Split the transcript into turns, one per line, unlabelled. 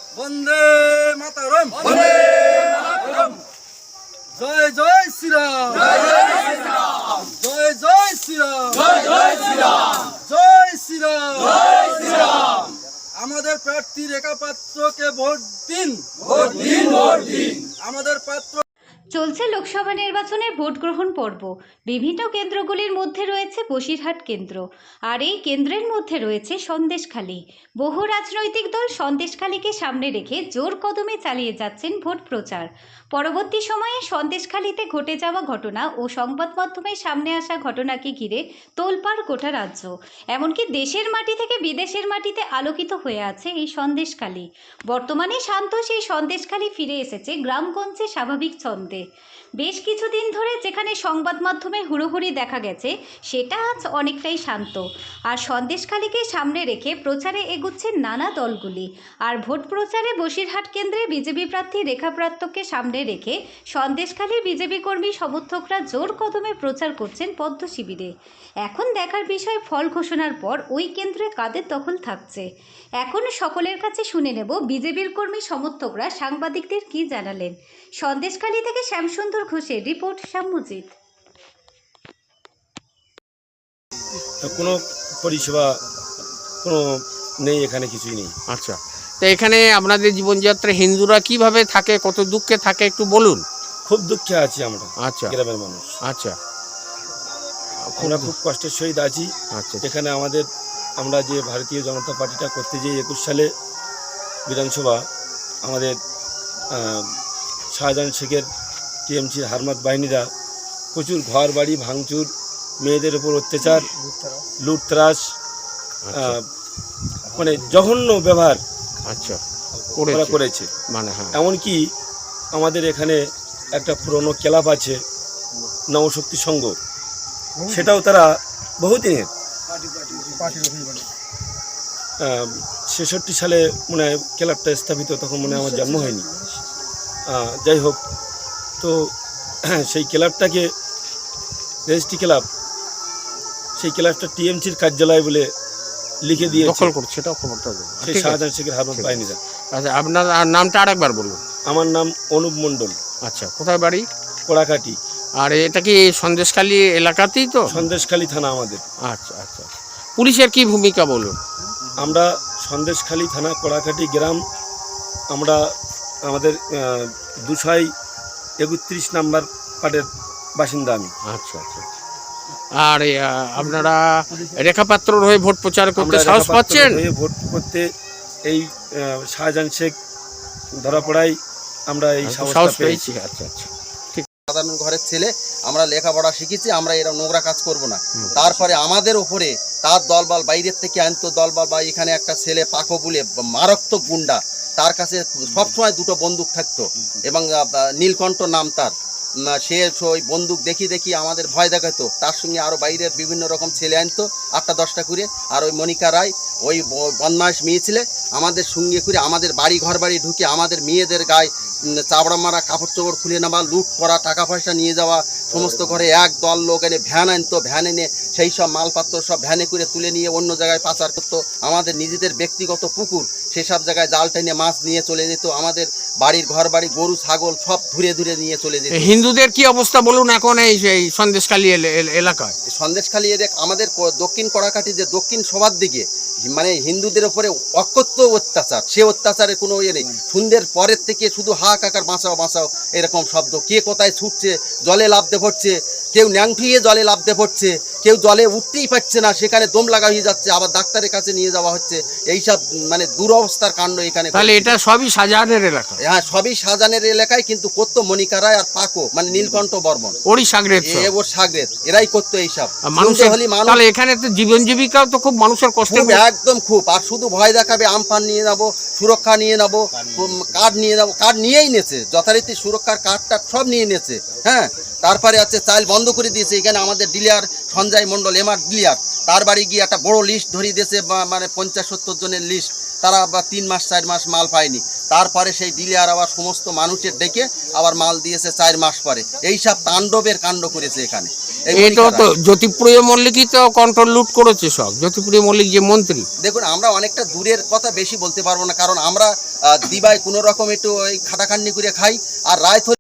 বন্দে মাতরম, বন্দে মাতরম। জয় জয় শ্রীরাম, জয় জয় শ্রীরাম, জয় জয় শ্রীরাম, জয় জয় শ্রীরাম, জয় শ্রীরাম, জয় শ্রীরাম। আমাদের প্রার্থী রেখা পাত্রকে ভোট দিন, ভোট দিন, ভোট দিন। আমাদের পাত্র।
চলছে লোকসভা নির্বাচনের ভোট গ্রহণ পর্ব। বিভিন্ন কেন্দ্রগুলির মধ্যে রয়েছে বসিরহাট কেন্দ্র, আর এই কেন্দ্রের মধ্যে রয়েছে সন্দেশখালী। বহু রাজনৈতিক দল সন্দেশখালীকে সামনে রেখে জোর কদমে চালিয়ে যাচ্ছেন ভোট প্রচার। পরবর্তী সময়ে সন্দেশখালীতে ঘটে যাওয়া ঘটনা ও সংবাদ মাধ্যমের সামনে আসা ঘটনাকে ঘিরে তোলপাড় গোটা রাজ্য, এমনকি দেশের মাটি থেকে বিদেশের মাটিতে আলোকিত হয়ে আছে এই সন্দেশখালী। বর্তমানে শান্ত সেই সন্দেশখালী ফিরে এসেছে গ্রামগঞ্জে স্বাভাবিক ছন্দে। বেশ কিছুদিন ধরে যেখানে সংবাদ মাধ্যমে হুড়োহুড়ি দেখা গেছে, সেটা আজ অনেকটাই শান্ত। আর সন্দেশখালীকে সামনে রেখে প্রচারে এগুচ্ছে নানা দলগুলি। আর ভোট প্রচারে বসিরহাট কেন্দ্রে বিজেপি প্রার্থী রেখা পাত্রকে সামনে রেখে সন্দেশখালীর বিজেপি কর্মী সমর্থকরা জোর কদমে প্রচার করছেন পদ্ম শিবিরে। এখন দেখার বিষয় ফল ঘোষণার পর ওই কেন্দ্রে কাদের দখল থাকছে। এখন সকলের কাছে শুনে নেব বিজেপির কর্মী সমর্থকরা সাংবাদিকদের কি জানালেন। সন্দেশখালী থেকে শ্যামসুন্দর ঘোষের রিপোর্ট, শ্যামজিৎ।
কোনো পরিষেবা কোনো নেই, এখানে কিছুই নেই।
আচ্ছা, তো এখানে আপনাদের জীবনযাত্রা হিন্দুরা কিভাবে থাকে, কত দুঃখে থাকে একটু বলুন।
খুব দুঃখে আছি আমরা,
আচ্ছা
গ্রামের মানুষ।
আচ্ছা,
আমরা খুব কষ্টের সহিত আছি।
আচ্ছা,
এখানে আমরা যে ভারতীয় জনতা পার্টিটা করতে যাই 21 সালে বিধানসভা, আমাদের শাহজাহান শেখের টিএমসির হারমাত বাহিনীরা প্রচুর ঘর বাড়ি ভাঙচুর, মেয়েদের উপর অত্যাচার, লুটতরাজ, মানে জঘন্য ব্যবহার
আচ্ছা
করেছে।
মানে হ্যাঁ,
এমনকি আমাদের এখানে একটা পুরনো ক্লাব আছে নবশক্তি সংঘ, সেটাও তারা বহুদিনের 66 সালে মনে হয় ক্লাবটা স্থাপিত, তখন মনে হয় আমার জন্ম হয়নি। যাই হোক, তো সেই ক্লাবটাকে রেজিস্ট্রি ক্লাব, সেই ক্লাবটা টিএমসির কার্যালয় বলে লিখে দিয়ে
দখল করছে, এটা খবরটা দেবো।
সেই শাহজাহান শেখের হারমাত বাহিনীরা।
আচ্ছা, আপনার নামটা আরেকবার বলুন।
আমার নাম অনুপ মণ্ডল।
আচ্ছা, কোথায় বাড়ি?
কোড়াকাটি।
আর এটা কি সন্দেশখালী এলাকাতেই তো?
সন্দেশখালী থানা আমাদের।
আচ্ছা আচ্ছা, পুলিশের কি ভূমিকা বলুন।
আমরা সন্দেশখালী থানা, কোড়াকাটি গ্রাম, আমরা আমাদের 231 নাম্বার পার্টের বাসিন্দা আমি।
আচ্ছা আচ্ছা, আর আপনারা রেখাপাত্রর হয়ে ভোট প্রচার করতে সাহস পাচ্ছেন?
ভোট করতে এই শাহজাহান শেখ ধরা পড়াই আমরা এই সাহস পেয়েছি।
আচ্ছা আচ্ছা,
সাধারণ ঘরের ছেলে, আমরা লেখাপড়া শিখেছি, আমরা এরা নোংরা কাজ করব না। তারপরে আমাদের ওপরে তার দলবল বাইরের থেকে আনতো দলবল, বা এখানে একটা ছেলে পাকো বলে মারাত্মক গুন্ডা, তার কাছে সবসময় দুটো বন্দুক থাকতো এবং নীলকণ্ঠ নাম তার। সে ওই বন্দুক দেখি আমাদের ভয় দেখাতো। তার সঙ্গে আরও বাইরের বিভিন্ন রকম ছেলে আনতো 8-10টা করে। আর ওই মনিকা রায়, ওই বদমাইশ মেয়ে ছেলে, আমাদের সঙ্গে করে আমাদের ঘর বাড়ি ঢুকে আমাদের মেয়েদের গায়ে চাবড়া মারা, কাপড় চোপড় খুলে নেওয়া, লুট করা, টাকা পয়সা নিয়ে যাওয়া, সমস্ত ঘরে এক দল লোক এনে ভ্যান আনতো, ভ্যান এনে সেই সব মালপত্র সব ভ্যানে করে তুলে নিয়ে অন্য জায়গায় পাচার করতো। আমাদের নিজেদের ব্যক্তিগত পুকুর, সেসব জায়গায় জাল টেনে মাছ নিয়ে চলে যেত। আমাদের বাড়ির ঘর বাড়ি গরু ছাগল সব ধুরে নিয়ে চলে যেত।
হিন্দুদের কি অবস্থা বলুন এখন এই সন্দেশখালী এলাকায়?
সন্দেশখালী আমাদের দক্ষিণ কড়াকাটি যে দক্ষিণ সবার দিকে, মানে হিন্দুদের উপরে অকথ্য অত্যাচার, সে অত্যাচারের কোনো ইয়ে নেই। সন্ধ্যের পরের থেকে শুধু হাহাকার বাঁচাও এরকম শব্দ। কে কোথায় ছুটছে, জলে লাফতে পড়ছে, কেউ ন্যাংঠুইয়ে জলে লাফতে পড়ছে, কেউ জলে উঠতেই পারছে না, সেখানে দম লাগা হয়ে যাচ্ছে, আবার ডাক্তারের কাছে নিয়ে যাওয়া হচ্ছে। এইসব মানে দুরবস্থার কাণ্ড এখানে।
তাহলে এটা সবই শাহজাহানের এলাকা?
হ্যাঁ, সবই শাহজাহানের এলাকায়, কিন্তু করতো মনিকা রায় আর পাকো, মানে নীলকণ্ঠ বর্মন,
ওরই সাগরেদ,
ওর সাগরেদ, এরাই করতো এইসব।
তাহলে এখানে তো জীবন জীবিকাও তো খুব মানুষের কষ্ট,
একদম খুব। আর শুধু ভয় দেখাবে, আমফান নিয়ে যাবো, সুরক্ষা নিয়ে যাবো, কার্ড নিয়ে যাবো, কার্ড নিয়েই নেছে যথারীতি, সুরক্ষার কার্ডটা সব নিয়ে নেছে। হ্যাঁ, তারপরে আছে চাল বন্ধ করে দিয়েছে। এখানে আমাদের dealer Sanjay Mondal, MR dealer, তার বাড়ি গিয়ে একটা বড় লিস্ট ধরিয়ে দিয়েছে, মানে 50-70 জনের লিস্ট। তারা আবার 3 মাস 4 মাস মাল পায়নি। তারপরে সেই ডিলার আবার সমস্ত মানুষের ডেকে আবার মাল দিয়েছে 4 মাস পরে। এইসব তাণ্ডবের কাণ্ড করেছে এখানে। এই
এই তো
মনিকারা।
জ্যোতিপ্রিয় মল্লিকই তো কন্ট্রোল লুট করেছে সব। জ্যোতিপ্রিয় মল্লিক যে মন্ত্রী,
দেখুন আমরা অনেকটা দূরের কথা বেশি বলতে পারবো না, কারণ আমরা দিবায় কোনো রকম একটু ওই খাটাখাটনি করে খাই, আর রায়